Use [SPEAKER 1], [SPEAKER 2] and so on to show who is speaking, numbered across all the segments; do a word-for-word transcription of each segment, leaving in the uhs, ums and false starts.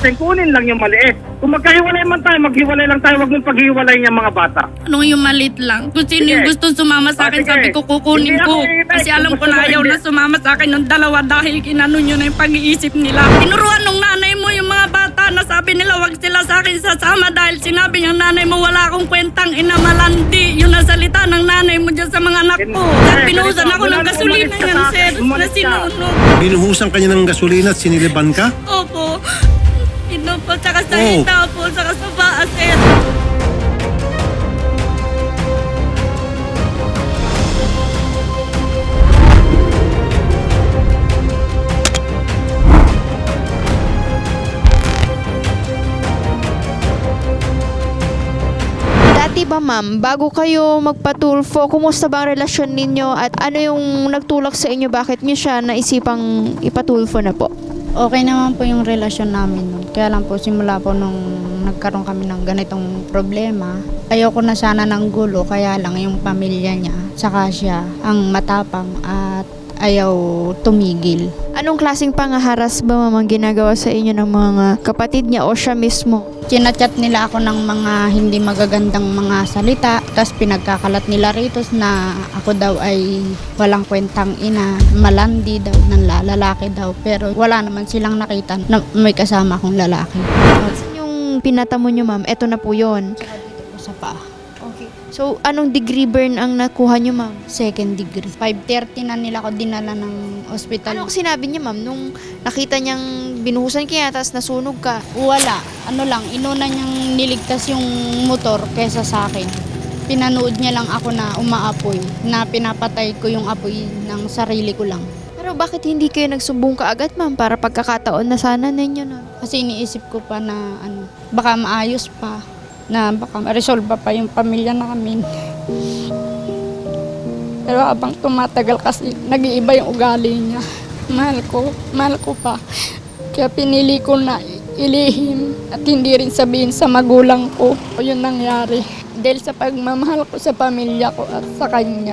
[SPEAKER 1] natin, kunin lang yung maliit. Kung magkahiwalay man tayo, maghiwalay lang tayo, wag mong paghiwalay niya mga bata.
[SPEAKER 2] Ano yung malit lang? Kung sino
[SPEAKER 1] Sige.
[SPEAKER 2] yung gusto sumama sa
[SPEAKER 1] Ah,
[SPEAKER 2] akin,
[SPEAKER 1] sige.
[SPEAKER 2] sabi ko kukunin
[SPEAKER 1] Hindi
[SPEAKER 2] ko.
[SPEAKER 1] ako hinihintay.
[SPEAKER 2] Kasi alam
[SPEAKER 1] Kung
[SPEAKER 2] ko
[SPEAKER 1] gusto
[SPEAKER 2] na
[SPEAKER 1] mo,
[SPEAKER 2] ayaw
[SPEAKER 1] hindi.
[SPEAKER 2] na sumama sa akin ng dalawa dahil kinano nyo na yung pag-iisip nila. Tinuruan nung nanay mo yung mga bata na sabi nila wag sila sa akin sasama dahil sinabi ng nanay mo wala akong kwentang inamalandi. Yun ang salita ng nanay mo dyan sa mga anak ko. At pinuhusan ako ng gasolina yan, sir, na sinunog.
[SPEAKER 3] Binuhusan kanya ng gasolina at siniliban ka?
[SPEAKER 2] Opo. Ino po, tsaka sa
[SPEAKER 3] Oh.
[SPEAKER 2] itaw po, tsaka sa paa, sir.
[SPEAKER 4] Dati ba ma'am, bago kayo magpatulfo, kumusta ba ang relasyon ninyo at ano yung nagtulak sa inyo? Bakit niyo siya naisipang ipatulfo na po?
[SPEAKER 5] Okay naman po yung relasyon namin nun. Kaya lang po simula po nung nagkaroon kami ng ganitong problema, ayoko na sana ng gulo, kaya lang yung pamilya niya, saka siya ang matapang at ayaw tumigil.
[SPEAKER 4] Anong klaseng pangaharas ba ma'am ang ginagawa sa inyo ng mga kapatid niya o siya mismo?
[SPEAKER 5] Chinachat nila ako ng mga hindi magagandang mga salita, tapos pinagkakalat nila rito na ako daw ay walang kwentang ina, malandi daw, ng lalaki daw. Pero wala naman silang nakita na may kasama akong lalaki.
[SPEAKER 4] Yung pinatamo niyo ma'am, eto na po yun.
[SPEAKER 5] Saka dito po sa paa.
[SPEAKER 4] Okay. So, anong degree burn ang nakuha niyo ma'am?
[SPEAKER 5] Second degree. five thirty na nila ako dinala ng ospital.
[SPEAKER 4] Anong sinabi niya ma'am nung nakita niyang binuhusan kaya tapos nasunog ka?
[SPEAKER 5] Wala. Ano lang, inuna niyang niligtas yung motor kesa sa akin. Pinanood niya lang ako na umaapoy, na pinapatay ko yung apoy ng sarili ko lang.
[SPEAKER 4] Pero bakit hindi kayo nagsumbong ka agad ma'am para pagkakataon na sana ninyo no?
[SPEAKER 5] Kasi iniisip ko pa na ano, baka maayos pa, na baka ma-resolve pa yung pamilya namin. Pero habang tumatagal kasi nag-iiba yung ugali niya. Mahal ko, mahal ko pa. Kaya pinili ko na ilihim at hindi rin sabihin sa magulang ko yun nangyari. Dahil sa pagmamahal ko sa pamilya ko at sa kanya.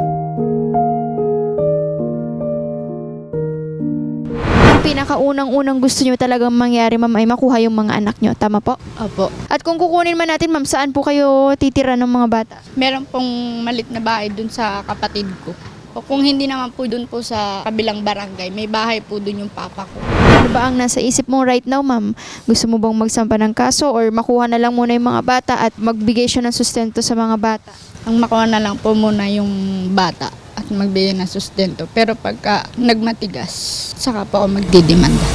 [SPEAKER 4] Pinakaunang-unang gusto nyo talagang mangyari ma'am ay makuha yung mga anak nyo. Tama po?
[SPEAKER 5] Opo.
[SPEAKER 4] At kung kukunin man natin ma'am, saan po kayo titira ng mga bata?
[SPEAKER 5] Meron pong malit na bahay dun sa kapatid ko. O kung hindi naman po dun po sa kabilang barangay, may bahay po dun yung papa ko.
[SPEAKER 4] Ano ba ang nasa isip mo right now ma'am? Gusto mo bang magsampa ng kaso or makuha na lang muna yung mga bata at magbigay siya ng sustento sa mga bata?
[SPEAKER 5] Ang makuha na lang po muna yung bata at magbigay ng sustento. Pero pagka nagmatigas, saka po ako magdidemanda.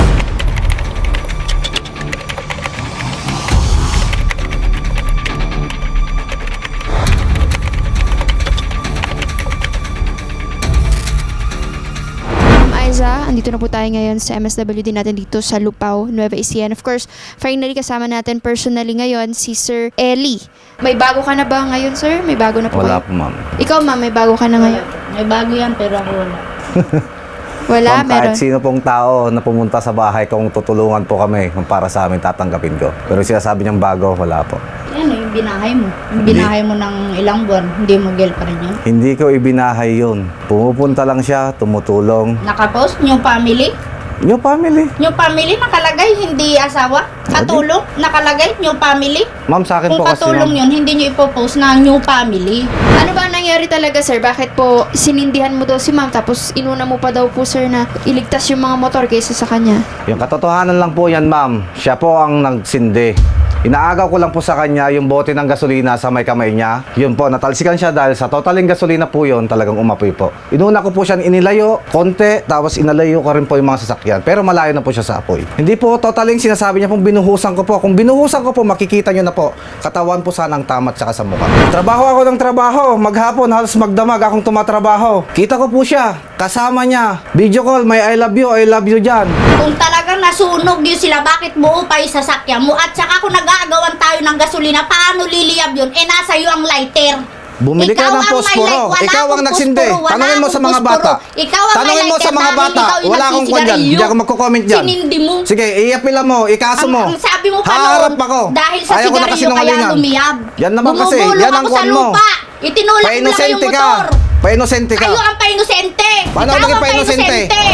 [SPEAKER 4] Aiza, andito na po tayo ngayon sa M S W D natin dito sa Lupao, Nueva Ecija. And of course, finally kasama natin personally ngayon si Sir Eli. May bago ka na ba ngayon, sir? May bago na po
[SPEAKER 6] Wala
[SPEAKER 4] kayo?
[SPEAKER 6] po, ma'am.
[SPEAKER 4] Ikaw, ma'am, may bago ka na ngayon?
[SPEAKER 5] May bago yan pero ako wala.
[SPEAKER 4] Wala,
[SPEAKER 6] Ma'am,
[SPEAKER 4] meron.
[SPEAKER 6] kahit sino pong tao na pumunta sa bahay kung tutulungan po kami kung para sa amin, tatanggapin ko. Pero sinasabi niyang bago, wala po.
[SPEAKER 5] Yan yung binahay mo. Yung binahay mo ng ilang buwan, hindi mo gel pa rin yun.
[SPEAKER 6] Hindi ko ibinahay yun. Pumupunta lang siya, tumutulong.
[SPEAKER 5] Nakapost yung family.
[SPEAKER 6] Yung family.
[SPEAKER 5] Yung family nakalagay, hindi asawa. Katulong, nakalagay, new family.
[SPEAKER 6] Ma'am, sa akin
[SPEAKER 5] Kung
[SPEAKER 6] po kasi,
[SPEAKER 5] katulong
[SPEAKER 6] ma'am.
[SPEAKER 5] yun, hindi nyo ipopost na new family.
[SPEAKER 4] Ano ba ang nangyari talaga, sir? Bakit po sinindihan mo daw si ma'am tapos inuna mo pa daw po, sir, na iligtas yung mga motor kaysa sa kanya?
[SPEAKER 6] Yung katotohanan lang po yan, ma'am. Siya po ang nagsindi. Inaagaw ko lang po sa kanya yung bote ng gasolina sa may kamay niya. Yun po, natalsikan siya dahil sa totaling gasolina po yun, talagang umapoy po. Inuna ko po siya inilayo, konti, tapos inalayo ko rin po yung mga sasakyan. Pero malayo na po siya sa apoy. Hindi po totaling sinasabi niya pong binuhusan ko po. Kung binuhusan ko po, makikita niyo na po. Katawan po sanang tamat saka sa mukha. Trabaho ako ng trabaho. Maghapon, halos magdamag akong tumatrabaho. Kita ko po siya, kasama niya. Video call, may I love you, I love you dyan.
[SPEAKER 7] Kung talagang nasunog yun sila, bakit buo pa yung sasakyan mo? At saka kung nag-aagawan tayo ng gasolina, paano liliyab yun? Eh, nasa iyo ang lighter.
[SPEAKER 6] Bumili ka
[SPEAKER 7] Ikaw
[SPEAKER 6] ng
[SPEAKER 7] ang may
[SPEAKER 6] posporo.
[SPEAKER 7] light, wala
[SPEAKER 6] Ikaw ang
[SPEAKER 7] akong
[SPEAKER 6] nagsindi.
[SPEAKER 7] posporo, wala
[SPEAKER 6] Tanungin mo sa
[SPEAKER 7] akong
[SPEAKER 6] mga
[SPEAKER 7] posporo.
[SPEAKER 6] bata.
[SPEAKER 7] Ikaw ang
[SPEAKER 6] Tanungin
[SPEAKER 7] may
[SPEAKER 6] mo sa
[SPEAKER 7] lighter
[SPEAKER 6] mga
[SPEAKER 7] dahil
[SPEAKER 6] bata.
[SPEAKER 7] ikaw yung
[SPEAKER 6] Wala akong kwan dyan.
[SPEAKER 7] nagsisigarilyo.
[SPEAKER 6] Hindi ako magko-comment dyan.
[SPEAKER 7] Sinindi mo.
[SPEAKER 6] Sige, iapila mo. Ikaso mo.
[SPEAKER 7] Ang, ang sabi mo pa
[SPEAKER 6] Haharap
[SPEAKER 7] noon,
[SPEAKER 6] ako.
[SPEAKER 7] dahil sa
[SPEAKER 6] Ayaw ko na
[SPEAKER 7] sigarilyo kaya
[SPEAKER 6] kasinungalingan.
[SPEAKER 7] lumiyab.
[SPEAKER 6] Yan naman kasi.
[SPEAKER 7] Bumubulong
[SPEAKER 6] Yan ang
[SPEAKER 7] ako sa
[SPEAKER 6] kwan mo.
[SPEAKER 7] lupa. Itinulak mo lang yung
[SPEAKER 6] Painosente ka.
[SPEAKER 7] motor.
[SPEAKER 6] Painosente ka.
[SPEAKER 7] Kayo ang painosente.
[SPEAKER 6] Paano
[SPEAKER 7] Ikaw
[SPEAKER 6] naging
[SPEAKER 7] ang
[SPEAKER 6] painosente?
[SPEAKER 4] Sir, for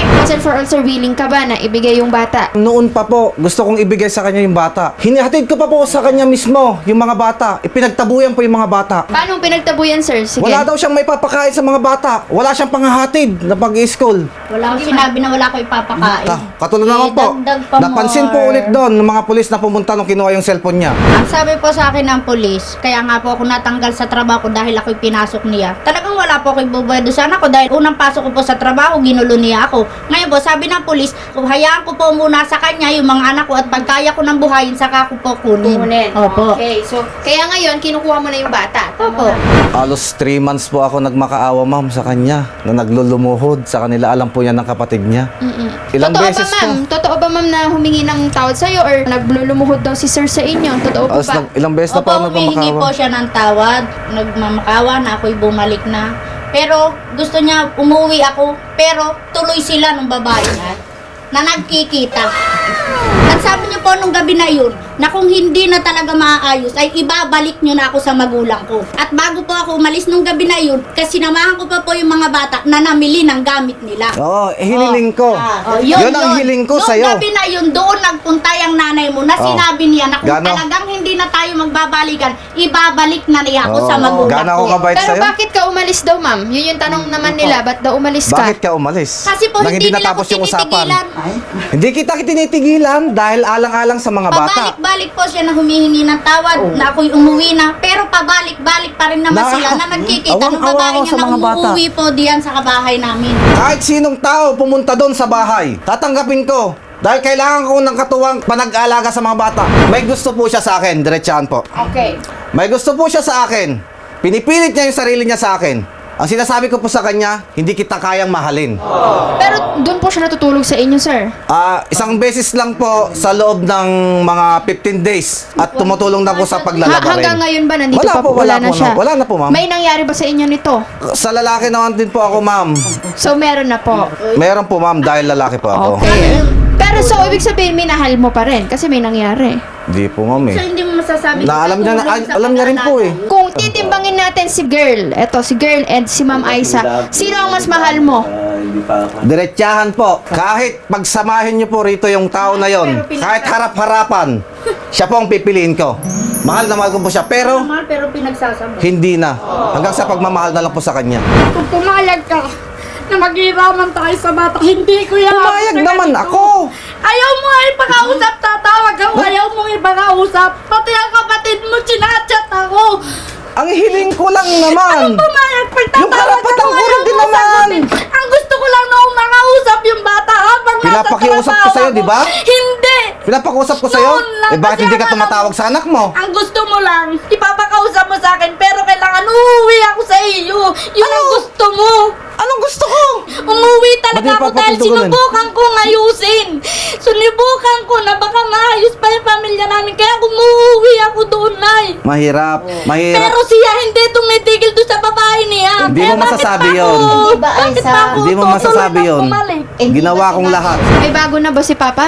[SPEAKER 4] for all, sir, willing ka ba na ibigay yung bata?
[SPEAKER 6] Noon pa po, gusto kong ibigay sa kanya yung bata. Hinihatid ko pa po sa kanya mismo yung mga bata. Ipinagtabuyan po yung mga bata.
[SPEAKER 4] Paano pinagtabuyan, sir? Sige.
[SPEAKER 6] Wala daw siyang may papakain sa mga bata. Wala siyang pangahatid na pag-i-school.
[SPEAKER 7] Wala akong sinabi na wala ko ipapakain.
[SPEAKER 6] Ta, katulad
[SPEAKER 7] Eh,
[SPEAKER 6] naman po,
[SPEAKER 7] dagdag pa
[SPEAKER 6] napansin po
[SPEAKER 7] more.
[SPEAKER 6] ulit doon ng mga pulis na pumunta nung kinuha yung cellphone niya.
[SPEAKER 7] Ang sabi po sa akin ng polis, kaya nga po ako natanggal sa trabaho ko dahil ako'y pinasok niya. Talagang wala po ako'y bubuedo sa anak ko dahil unang pasok ko po sa trabaho, ginulo niya ako. Ngayon po, sabi ng polis, hayaan ko po muna sa kanya yung mga anak ko at pagkaya ko ng buhayin, saka ko po kunin.
[SPEAKER 4] Kunin.
[SPEAKER 7] Opo.
[SPEAKER 4] Okay, so, kaya ngayon, kinukuha mo na yung bata. Tama
[SPEAKER 7] Opo.
[SPEAKER 4] ba?
[SPEAKER 6] Halos three months po ako nagmakaawa, ma'am, sa kanya na naglulumuhod sa kanila. Alam po yan ng kapatid niya.
[SPEAKER 4] Mm-mm.
[SPEAKER 6] Ilang
[SPEAKER 4] Totoo
[SPEAKER 6] beses
[SPEAKER 4] ba, ma'am? Totoo ba, ma'am, na humingi ng tawad sa'yo or naglulumuhod daw si sir sa inyo? Totoo po
[SPEAKER 6] Halos
[SPEAKER 4] ba?
[SPEAKER 6] nag- ilang beses na po ako
[SPEAKER 7] Opo, humihingi po
[SPEAKER 6] nagmamakawa.
[SPEAKER 7] siya ng tawad. Nagmamakawa na ako'y bumalik na. Pero gusto niya umuwi ako. Pero tuloy sila nung babae niya na nagkikita. At sabi niyo po nung gabi na yun, na kung hindi na talaga maaayos, ay ibabalik niyo na ako sa magulang ko. At bago po ako umalis nung gabi na yun, kasi sinamahan ko pa po yung mga bata na namili ng gamit nila.
[SPEAKER 6] Oo, eh, hiniling ko.
[SPEAKER 7] Oh,
[SPEAKER 6] yun, ang hiling ko
[SPEAKER 7] Nung
[SPEAKER 6] sa'yo.
[SPEAKER 7] gabi na yun, doon nagpunta yung nanay mo na
[SPEAKER 6] Oh.
[SPEAKER 7] sinabi niya na kung
[SPEAKER 6] Gano?
[SPEAKER 7] talagang hindi na tayo magbabalikan, ibabalik na niya ako
[SPEAKER 6] Oo.
[SPEAKER 7] sa magulang
[SPEAKER 6] Gano'n ako
[SPEAKER 7] ko.
[SPEAKER 6] kabait
[SPEAKER 4] Pero
[SPEAKER 6] sa'yo?
[SPEAKER 4] bakit ka umalis daw, ma'am? Yun yung tanong naman nila. Ba't daw umalis ka?
[SPEAKER 6] Bakit ka umalis?
[SPEAKER 7] Kasi po
[SPEAKER 6] Nang
[SPEAKER 7] hindi, nila
[SPEAKER 6] natapos
[SPEAKER 7] ako
[SPEAKER 6] yung usapan.
[SPEAKER 7] tinitigilan.
[SPEAKER 6] Hindi kita tinitigilan dahil alang-alang sa mga bata.
[SPEAKER 7] Pabalik-balik po siya na humihingi ng tawad na ako'y umuwi na. Pero pabalik-balik pa rin naman
[SPEAKER 6] Na-
[SPEAKER 7] sila na nagkikita ng
[SPEAKER 6] Awang-awa
[SPEAKER 7] babae
[SPEAKER 6] ako
[SPEAKER 7] niya
[SPEAKER 6] sa
[SPEAKER 7] na
[SPEAKER 6] mga bata.
[SPEAKER 7] umuwi po diyan sa kabahay namin.
[SPEAKER 6] Kahit sinong tao pumunta doon sa bahay, tatanggapin ko. Dahil kailangan ko ng katuwang panag-alaga sa mga bata. May gusto po siya sa akin, diretsahan po.
[SPEAKER 4] Okay.
[SPEAKER 6] May gusto po siya sa akin. Pinipilit niya yung sarili niya sa akin. Ang sinasabi ko po sa kanya, hindi kita kayang mahalin.
[SPEAKER 4] Pero doon po siya natutulog sa inyo, sir.
[SPEAKER 6] Ah, isang beses lang po sa loob ng mga fifteen days at tumutulong na po sa
[SPEAKER 4] Ha-
[SPEAKER 6] paglalaba rin.
[SPEAKER 4] hanggang ngayon ba nandito
[SPEAKER 6] Wala
[SPEAKER 4] pa
[SPEAKER 6] po,
[SPEAKER 4] po?
[SPEAKER 6] wala
[SPEAKER 4] Wala, na
[SPEAKER 6] po,
[SPEAKER 4] siya?
[SPEAKER 6] no. Wala na po, ma'am.
[SPEAKER 4] May nangyari ba sa inyo nito?
[SPEAKER 6] Sa lalaki naman din po ako, ma'am.
[SPEAKER 4] So, meron na po.
[SPEAKER 6] Meron po, ma'am, dahil lalaki po ako.
[SPEAKER 4] Okay. Pero so, ibig sabihin, minahal mo pa rin kasi may nangyari.
[SPEAKER 6] Hindi po, ma'am eh.
[SPEAKER 7] So hindi mo masasabi
[SPEAKER 6] Na alam niya na-
[SPEAKER 7] tutulong sa
[SPEAKER 6] alam niya rin po eh.
[SPEAKER 7] pag-aalaga.
[SPEAKER 4] Kung titimbangin natin si girl, eto, si girl and si Ma'am Aiza, sino ang mas mahal mo?
[SPEAKER 6] Diretsahan po. Kahit pagsamahin niyo po rito yung tao na yon, kahit harap-harapan, siya po ang pipiliin ko. Mahal na mahal ko po siya, pero
[SPEAKER 7] Mahal pero pinagsasama.
[SPEAKER 6] hindi na. Hanggang sa pagmamahal na lang po sa kanya.
[SPEAKER 5] Kung pumayag ka na maghiraman tayo sa bata, hindi ko yan.
[SPEAKER 6] Pumayag naman ako.
[SPEAKER 5] Ayaw mo nga ipakausap, tatawag ako. Ayaw mo ipakausap. Pati ang kapatid mo, chinachat ako.
[SPEAKER 6] Ang hiling ko lang naman.
[SPEAKER 5] Pumayag,
[SPEAKER 6] Yung
[SPEAKER 5] pagtatawag
[SPEAKER 6] karapatan
[SPEAKER 5] ako,
[SPEAKER 6] ko rin
[SPEAKER 5] ayaw
[SPEAKER 6] din
[SPEAKER 5] mo
[SPEAKER 6] naman.
[SPEAKER 5] sagutin. Ang gusto ko lang na umakausap yung bata habang nasa
[SPEAKER 6] Pinapakiusap ko
[SPEAKER 5] trabaho
[SPEAKER 6] sa'yo,
[SPEAKER 5] ako.
[SPEAKER 6] di ba?
[SPEAKER 5] Hindi.
[SPEAKER 6] Pinapakusap ko sa'yo?
[SPEAKER 5] Noon lang,
[SPEAKER 6] Eh bakit
[SPEAKER 5] kasi
[SPEAKER 6] hindi ka
[SPEAKER 5] akala
[SPEAKER 6] tumatawag
[SPEAKER 5] mo-
[SPEAKER 6] sa anak mo?
[SPEAKER 5] Ang gusto mo lang, ipapakausap mo sa akin, pero kailangan uuwi ako sa iyo. Yun ang gusto mo.
[SPEAKER 6] Anong gusto ko?
[SPEAKER 5] Umuwi
[SPEAKER 6] Ba't
[SPEAKER 5] talaga
[SPEAKER 6] di
[SPEAKER 5] ako dahil
[SPEAKER 6] papatutugunan?
[SPEAKER 5] sinubukan kong ayusin. Sinubukan ko na baka maayos pa yung pamilya namin. Kaya umuwi ako doon, Nay.
[SPEAKER 6] Mahirap. Mahirap.
[SPEAKER 5] Pero siya hindi tumitigil doon sa babae niya.
[SPEAKER 6] Hindi
[SPEAKER 5] Kaya
[SPEAKER 6] mo
[SPEAKER 5] bakit
[SPEAKER 6] masasabi
[SPEAKER 5] pa ako-
[SPEAKER 6] yun.
[SPEAKER 7] Hindi ba,
[SPEAKER 5] Bakit
[SPEAKER 7] Aiza?
[SPEAKER 5] pa ako
[SPEAKER 6] Hindi mo
[SPEAKER 5] tutuloy
[SPEAKER 6] masasabi
[SPEAKER 5] na
[SPEAKER 6] yun.
[SPEAKER 5] bumalik?
[SPEAKER 6] Ginawa kong lahat.
[SPEAKER 4] May bago na ba si Papa?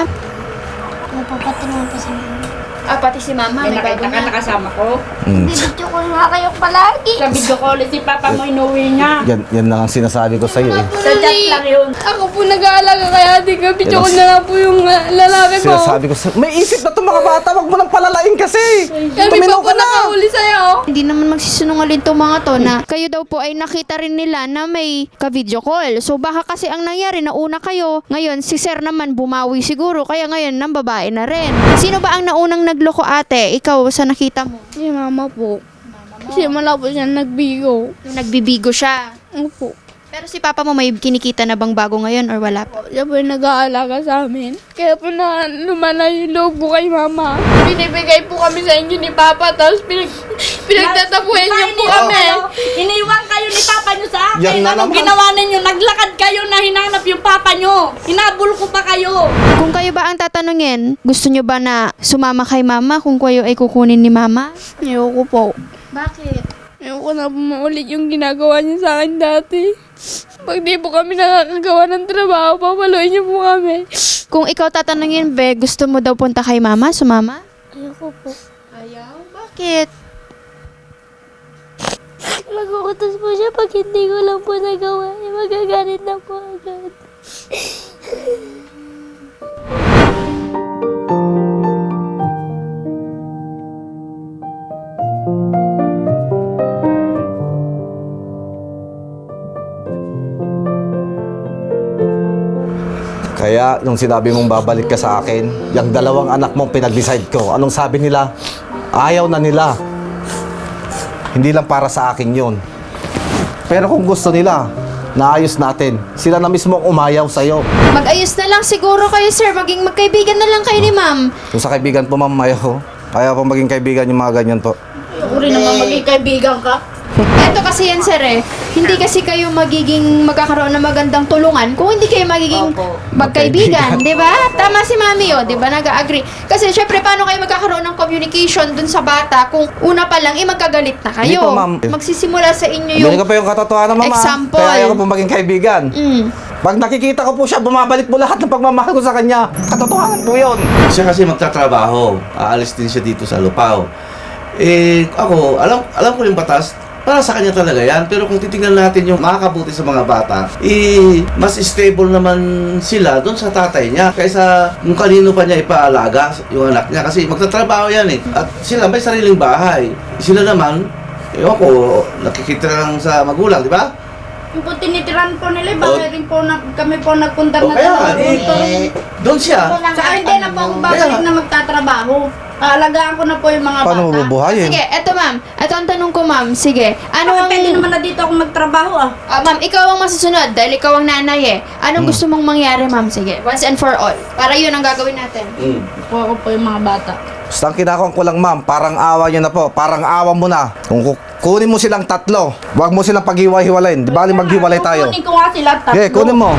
[SPEAKER 8] Napapatingan pa sa mga.
[SPEAKER 4] Ah, pati si Mama, may bago
[SPEAKER 2] Nakita ka
[SPEAKER 4] na.
[SPEAKER 2] nakasama ko.
[SPEAKER 6] Mm.
[SPEAKER 8] Bibidyo ko nga kayo palagi.
[SPEAKER 2] Sa video call, si Papa mo inuwi niya.
[SPEAKER 6] Yan, yan lang ang sinasabi ko sa'yo eh.
[SPEAKER 2] Sa chat lang yun.
[SPEAKER 5] Ako po nag-aalaga kaya di ka video ko na lang po yung uh, lalaki ko.
[SPEAKER 6] Sinasabi ko sa'yo. May isip na itong mga bata. Wag mo nang palalain kasi.
[SPEAKER 5] Kami
[SPEAKER 6] Tuminaw
[SPEAKER 5] po po
[SPEAKER 6] ka na.
[SPEAKER 5] nakahuli sa'yo.
[SPEAKER 4] Hindi naman magsisinungaling tong mga to na kayo daw po ay nakita rin nila na may ka-video call. So baka kasi ang nangyari, nauna kayo. Ngayon, si Sir naman bumawi siguro. Kaya ngayon, ng babae na rin. Sino ba ang naunang nagloko, ate? Ikaw sa nakita mo?
[SPEAKER 5] Si mama po. Kasi mala po siya nagbigo.
[SPEAKER 4] Yung nagbibigo siya.
[SPEAKER 5] Opo.
[SPEAKER 4] Pero si Papa mo may kinikita na bang bago ngayon or wala po?
[SPEAKER 5] Siya po yung nag-aalaga sa amin. Kaya po na lumala yung loob ko kay mama. Binibigay po kami sa inyo ni Papa, tapos pinag pinagtatapuhin niyo po kami.
[SPEAKER 2] Iniwan kayo ni Papa niyo sa akin.
[SPEAKER 6] Yan na
[SPEAKER 2] Anong
[SPEAKER 6] naman.
[SPEAKER 2] ginawa ninyo? Naglakad kayo na hinanap yung Papa niyo. Hinabol ko pa kayo.
[SPEAKER 4] Kung kayo ba ang tatanungin, gusto nyo ba na sumama kay Mama kung kayo ay kukunin ni Mama?
[SPEAKER 5] Ayoko po.
[SPEAKER 4] Bakit?
[SPEAKER 5] Ayoko na po maulit yung ginagawa niya sa akin dati. Pag di po kami nakakagawa ng trabaho, papaluin niyo po kami.
[SPEAKER 4] Kung ikaw tatanungin, Be, gusto mo daw punta kay Mama? Sumama?
[SPEAKER 8] Ayoko po.
[SPEAKER 4] Ayaw? Bakit?
[SPEAKER 8] Nagukutos po siya pag hindi ko lang po nagawa. Eh, magagalit na po agad.
[SPEAKER 6] Kaya, nung sinabi mong babalik ka sa akin, yung dalawang anak mong pinag-decide ko, anong sabi nila? Ayaw na nila. Hindi lang para sa akin yun. Pero kung gusto nila, naayos natin. Sila na mismo ang umayaw sa'yo.
[SPEAKER 4] Mag-ayos na lang siguro kayo, sir. Maging magkaibigan na lang kayo ni ma'am.
[SPEAKER 6] Kung sa kaibigan po, ma'am, ayaw. Ayaw po maging kaibigan yung mga ganyan po.
[SPEAKER 7] Ayoko rin naman maging kaibigan ka.
[SPEAKER 4] Eto kasi yan, sir eh. Hindi kasi kayo magiging magkakaroon ng magandang tulungan kung hindi kayo magiging
[SPEAKER 7] Opo.
[SPEAKER 4] magkaibigan, di ba? Tama si mami, oh, di ba? Nag-agree. Kasi syempre, paano kayo magkakaroon ng communication dun sa bata kung una pa lang, eh, magkagalit na kayo.
[SPEAKER 6] Hindi po, ma'am.
[SPEAKER 4] Magsisimula sa inyo
[SPEAKER 6] Yung...
[SPEAKER 4] yung...
[SPEAKER 6] Hindi ko pa yung katotohanan, mama.
[SPEAKER 4] Example.
[SPEAKER 6] Kaya ayaw ko po maging kaibigan.
[SPEAKER 4] Mm.
[SPEAKER 6] Pag nakikita ko po siya, bumabalik po lahat ng pagmamahal ko sa kanya. Katotohanan po yun.
[SPEAKER 9] Siya kasi magtatrabaho, aalis din siya dito sa Lupao. Eh, ako, alam alam ko yung batas, para sa kanya talaga yan. Pero kung titingnan natin yung makakabuti sa mga bata, eh, mas stable naman sila doon sa tatay niya kaysa kung kanino pa niya ipaalaga yung anak niya. Kasi magtatrabaho yan eh. At sila may sariling bahay. Sila naman, ewan ko, nakikita lang sa magulang, di ba?
[SPEAKER 7] Yung po tinitiran po nila, bakit rin po na, kami po nagpunta
[SPEAKER 9] O
[SPEAKER 7] na
[SPEAKER 9] kaya,
[SPEAKER 7] talaga
[SPEAKER 9] eh,
[SPEAKER 7] dito.
[SPEAKER 9] doon siya.
[SPEAKER 7] Saka hindi na po ako babalik
[SPEAKER 9] Kaya-
[SPEAKER 7] na magtatrabaho. Aalagaan ko na po yung mga
[SPEAKER 6] Paano mo
[SPEAKER 7] bata.
[SPEAKER 6] bubuhayin?
[SPEAKER 4] Sige, eto ma'am. Eto ang tanong ko, ma'am. Sige. Ano
[SPEAKER 7] Ano
[SPEAKER 4] ang...
[SPEAKER 7] pwede naman na dito ako magtrabaho ah.
[SPEAKER 4] Ah, ma'am, ikaw ang masusunod dahil ikaw ang nanay eh. Anong gusto mong mangyari, ma'am? Sige, once and for all. Para yun ang gagawin natin.
[SPEAKER 9] Mm.
[SPEAKER 7] Kuha ko po yung mga bata.
[SPEAKER 6] Basta ang kinakong ko lang, ma'am, parang awa niyo na po. Parang awa mo na. Kung ku- kunin mo silang tatlo, huwag mo silang paghiwa-hiwalayin. Di bali maghiwalay tayo.
[SPEAKER 7] Kukunin ko nga sila tatlo.
[SPEAKER 6] Okay, kunin mo.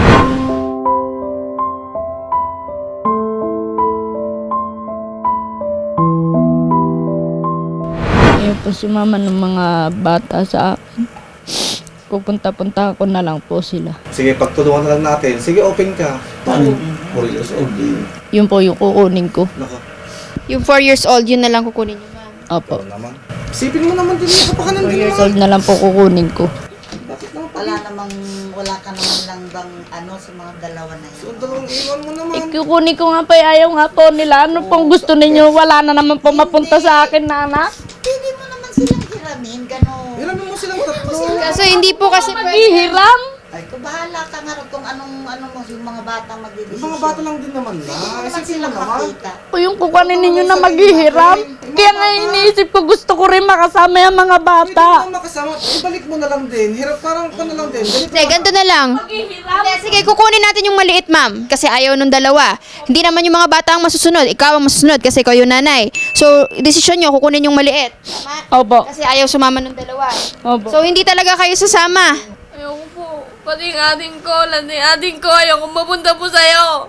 [SPEAKER 5] Ayaw po si mama ng mga bata sa akin. Pupunta-punta ko na lang po sila.
[SPEAKER 6] Sige, pagtulungan na lang natin. Sige, open ka.
[SPEAKER 9] Paano? four years old.
[SPEAKER 5] Yun po yung kukunin ko.
[SPEAKER 6] Nako,
[SPEAKER 4] Yung four years old, yun na lang kukunin niyo, ma'am.
[SPEAKER 5] Opo.
[SPEAKER 6] ano naman. Isipin mo naman din yung kapakanan
[SPEAKER 5] four
[SPEAKER 6] din
[SPEAKER 5] years
[SPEAKER 6] naman.
[SPEAKER 5] old na lang po kukunin ko.
[SPEAKER 10] Wala namang, wala ka naman lang bang ano sa mga dalawa na
[SPEAKER 6] So,
[SPEAKER 10] yun.
[SPEAKER 6] dalawang iwan mo naman.
[SPEAKER 5] Ikukunin ko nga pa, ayaw nga po nila. Ano pong gusto ninyo? Wala na naman po mapunta sa akin na anak.
[SPEAKER 10] Pwede mo naman silang hiramin, gano'n.
[SPEAKER 6] Hiramin mo silang tatlo.
[SPEAKER 4] Kaso hindi po kasi pwede.
[SPEAKER 5] Maghihiram?
[SPEAKER 10] Ay, kung bahala ka nga rin kung anong, ano mo, yung mga batang magdidesisyon.
[SPEAKER 6] Mga bata lang din naman na.
[SPEAKER 10] Hindi mo naman
[SPEAKER 6] Isipin mo
[SPEAKER 10] silang
[SPEAKER 6] naman.
[SPEAKER 10] makita.
[SPEAKER 5] Po yung kukunin ninyo na maghihiram. Kaya nga iniisip ko, gusto ko rin makasama yung mga bata.
[SPEAKER 6] Pwede mo makasama. Ibalik mo na lang din. Hirap parang ka na lang din. Ganito
[SPEAKER 4] Hindi, ganito na lang. Hindi, sige, kukunin natin yung maliit, ma'am. Kasi ayaw nung dalawa. Hindi naman yung mga bata ang masusunod. Ikaw ang masusunod kasi ikaw yung nanay. So, desisyon nyo, kukunin yung maliit. Tama?
[SPEAKER 5] Opo.
[SPEAKER 4] Kasi ayaw sumama nung dalawa.
[SPEAKER 5] Opo.
[SPEAKER 4] So, hindi talaga kayo sasama.
[SPEAKER 2] Ayoko po. Pati yung ating ko, lang yung ating ko, ayoko mapunta po sa'yo.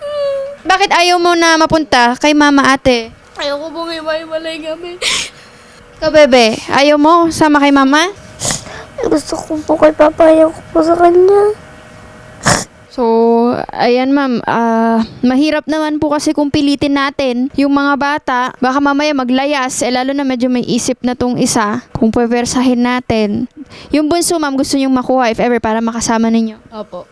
[SPEAKER 4] Bakit ayaw mo na mapunta kay mama ate?
[SPEAKER 2] Ayoko pong iba-ibalay kami.
[SPEAKER 4] Ikaw, bebe, ayaw mo sama kay mama?
[SPEAKER 8] Gusto ko po kay Papa, ayaw ko po sa kanya.
[SPEAKER 4] So, ayan ma'am, ah, mahirap naman po kasi kung pilitin natin yung mga bata, baka mamaya maglayas, eh lalo na medyo may isip na tong isa, kung pwepersahin natin. Yung bunso ma'am, gusto niyong makuha if ever para makasama ninyo.
[SPEAKER 5] Opo.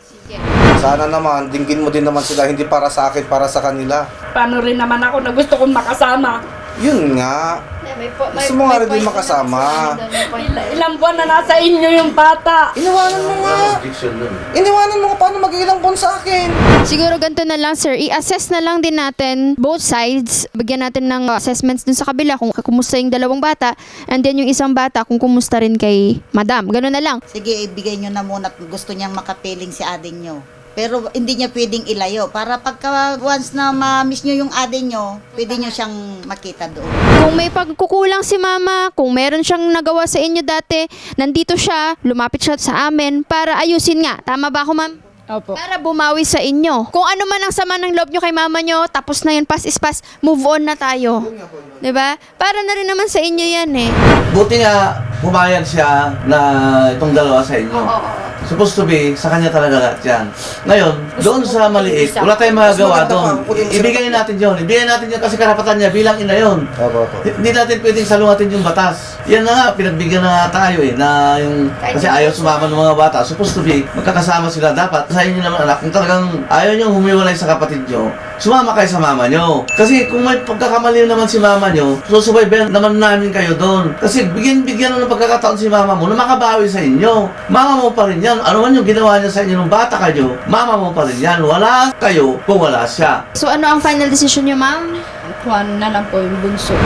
[SPEAKER 6] Sana naman, dinggin mo din naman sila. Hindi para sa akin, para sa kanila.
[SPEAKER 2] Paano rin naman ako na gusto kong makasama?
[SPEAKER 6] Yun nga. Gusto mo nga rin din makasama.
[SPEAKER 2] Il- ilang buwan na nasa inyo yung bata.
[SPEAKER 6] Iniwanan mo nga.
[SPEAKER 9] Addiction nun.
[SPEAKER 6] Iniwanan mo nga paano mag-ilang buwan sa akin.
[SPEAKER 4] Siguro ganito na lang sir, i-assess na lang din natin both sides. Bigyan natin ng assessments dun sa kabila kung kumusta yung dalawang bata and then yung isang bata kung kumusta rin kay madam. Ganun na lang.
[SPEAKER 10] Sige, ibigay nyo na muna at gusto niyang makapiling si ading nyo. Pero hindi niya pwedeng ilayo. Para pagka once na ma-miss nyo yung ading nyo, pwede nyo siyang makita doon.
[SPEAKER 4] Kung may pagkukulang si mama, kung meron siyang nagawa sa inyo dati, nandito siya, lumapit siya sa amin para ayusin nga. Tama ba ako ma'am?
[SPEAKER 5] Opo.
[SPEAKER 4] Para bumawi sa inyo. Kung ano man ang sama ng loob nyo kay mama nyo, tapos na yun, pass is pass, move on na tayo. Diba? Para na rin naman sa inyo yan eh.
[SPEAKER 9] Buti nga, pumayag siya na itong dalawa sa inyo. Supposed to be, sa kanya talaga lahat yan. Ngayon, doon sa maliit, wala tayong magagawa doon. I- Ibigay natin yun. Ibigay natin yun kasi karapatan niya bilang ina yun.
[SPEAKER 6] Opo, opo.
[SPEAKER 9] Hindi natin pwedeng salungatin yung batas. Yan na nga, pinagbigyan na nga tayo eh, na yung, kasi ayaw sumama ng mga bata. Supposed to be, magkakasama sila dapat. Sa inyo naman anak, kung talagang ayaw niyong humiwalay sa kapatid niyo, sumama kayo sa mama nyo. Kasi kung may pagkakamali naman si mama nyo, susubaybayan naman namin kayo doon. Kasi bigyan-bigyan na ng pagkakataon si mama mo na makabawi sa inyo. Mama mo pa rin yan. Ano man yung ginawa niya sa inyo nung bata kayo, mama mo pa rin yan. Wala kayo kung wala siya.
[SPEAKER 4] So ano ang final decision niyo, ma'am?
[SPEAKER 5] Kuhan na lang po yung bunso.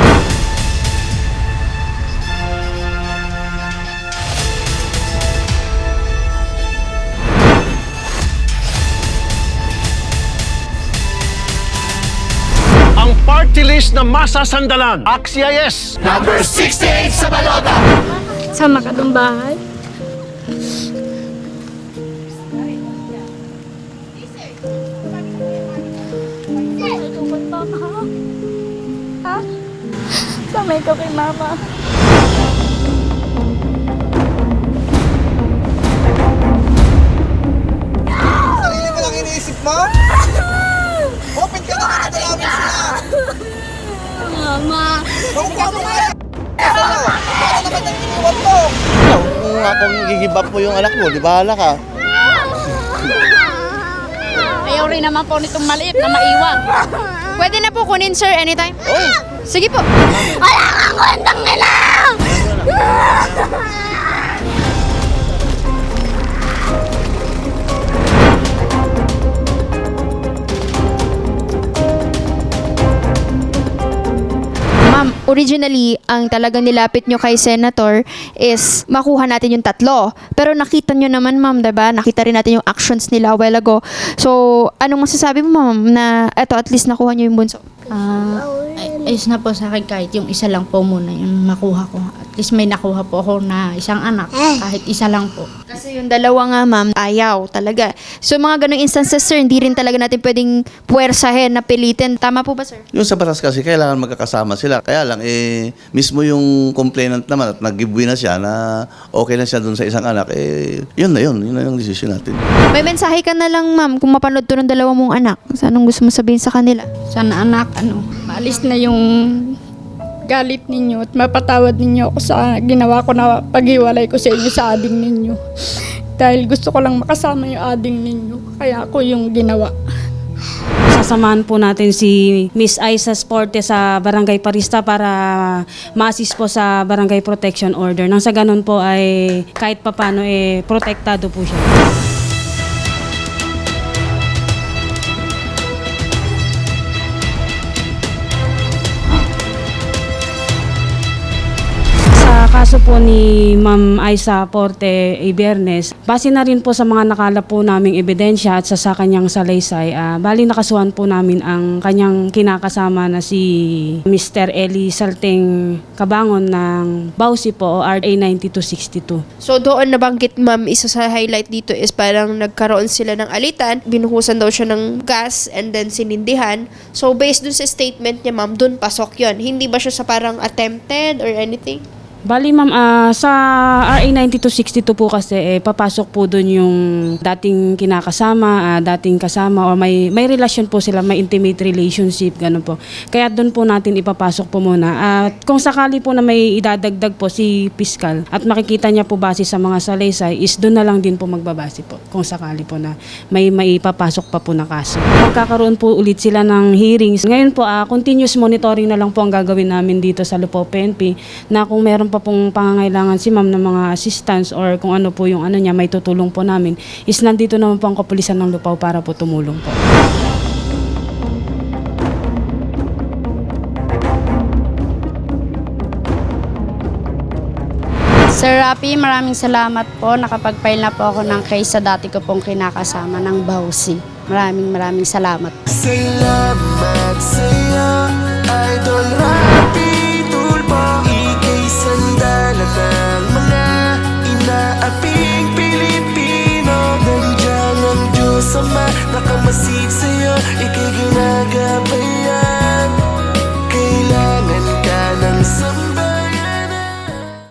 [SPEAKER 3] Ang party list na masasandalan. Axia yes!
[SPEAKER 5] Sama ka ng bahay. Ha? Samay ka kay mama.
[SPEAKER 6] Sarili mo lang iniisip mo? Open ka naman na dalawin sila!
[SPEAKER 5] Mama.
[SPEAKER 6] Kung ka mo nga! Para naman ang iniwan mo!
[SPEAKER 9] Kung ako gigib up mo yung anak mo, di bahala ka.
[SPEAKER 5] Ayaw rin naman po nitong maliit na maiwan.
[SPEAKER 4] Pwede na po kunin, sir, anytime? Sige po.
[SPEAKER 8] Wala kang kwentang nila!
[SPEAKER 4] Ma'am, originally, ang talagang nilapit nyo kay Senator is makuha natin yung tatlo. Pero nakita nyo naman, ma'am, diba? Nakita rin natin yung actions nila a while ago. So, anong masasabi mo, ma'am, na eto, at least nakuha nyo yung bunso?
[SPEAKER 7] Ah, ay- ayos na po sa akin kahit yung isa lang po muna yung makuha ko. At least may nakuha po ako na isang anak, kahit isa lang po.
[SPEAKER 4] Kasi yung dalawa nga, ma'am, ayaw talaga. So, mga ganong instances, sir, hindi rin talaga natin pwedeng puwersahin na pilitin. Tama po ba, sir?
[SPEAKER 9] Yung sa batas kasi, kailangan magkakasama sila. Kaya lang, eh, mismo yung complainant naman at nag-giveaway na siya na okay na siya dun sa isang anak, eh, yun na yun. Yun na yung decision natin.
[SPEAKER 4] May mensahe ka na lang, ma'am, kung mapanood to ng dalawa mong anak. So, anong gusto mo sabihin sa kanila?
[SPEAKER 5] Sana anak, ano, maalis na yung galit ninyo at mapatawad ninyo ako sa ginawa ko na paghiwalay ko sa inyo sa ading ninyo. Dahil gusto ko lang makasama yung ading ninyo. Kaya ako yung ginawa.
[SPEAKER 11] Sasamahan po natin si Miss Aiza Sporte sa Barangay Parista para ma-assist po sa Barangay Protection Order. Nang sa ganun po ay kahit papano eh protektado po siya. Kaso po ni Ma'am Aiza Porte Ibiernes, base na rin po sa mga nakalap po naming ebidensya at sa, sa kanyang salaysay, uh, bali nakasuhan po namin ang kanyang kinakasama na si Mister Eli Salteng Cabangon ng Bausi po o R A ninety-two sixty-two.
[SPEAKER 4] So doon nabanggit, ma'am, isa sa highlight dito is parang nagkaroon sila ng alitan, binuhusan daw siya ng gas and then sinindihan. So based dun sa statement niya, ma'am, dun pasok yon. Hindi ba siya sa parang attempted or anything?
[SPEAKER 11] Bali ma'am, ah, sa R A ninety-two sixty-two po kasi eh, papasok po doon yung dating kinakasama, ah, dating kasama o may may relasyon po sila, may intimate relationship, gano'n po. Kaya doon po natin ipapasok po muna. At kung sakali po na may idadagdag po si Piskal at makikita niya po base sa mga salaysay, is doon na lang din po magbabase po kung sakali po na may may ipapasok pa po na kaso. Magkakaroon po ulit sila ng hearings. Ngayon po, ah, continuous monitoring na lang po ang gagawin namin dito sa Lupao P N P na kung meron pa pong pangangailangan si ma'am ng mga assistance or kung ano po yung ano niya, may tutulong po namin, is nandito naman po ang kapulisan ng Lupao para po tumulong po.
[SPEAKER 7] Sir Rapi, maraming salamat po. Nakapag-file na po ako ng case sa dati ko pong kinakasama ng Bausi. Maraming maraming salamat.
[SPEAKER 12] Salamat sa'yo.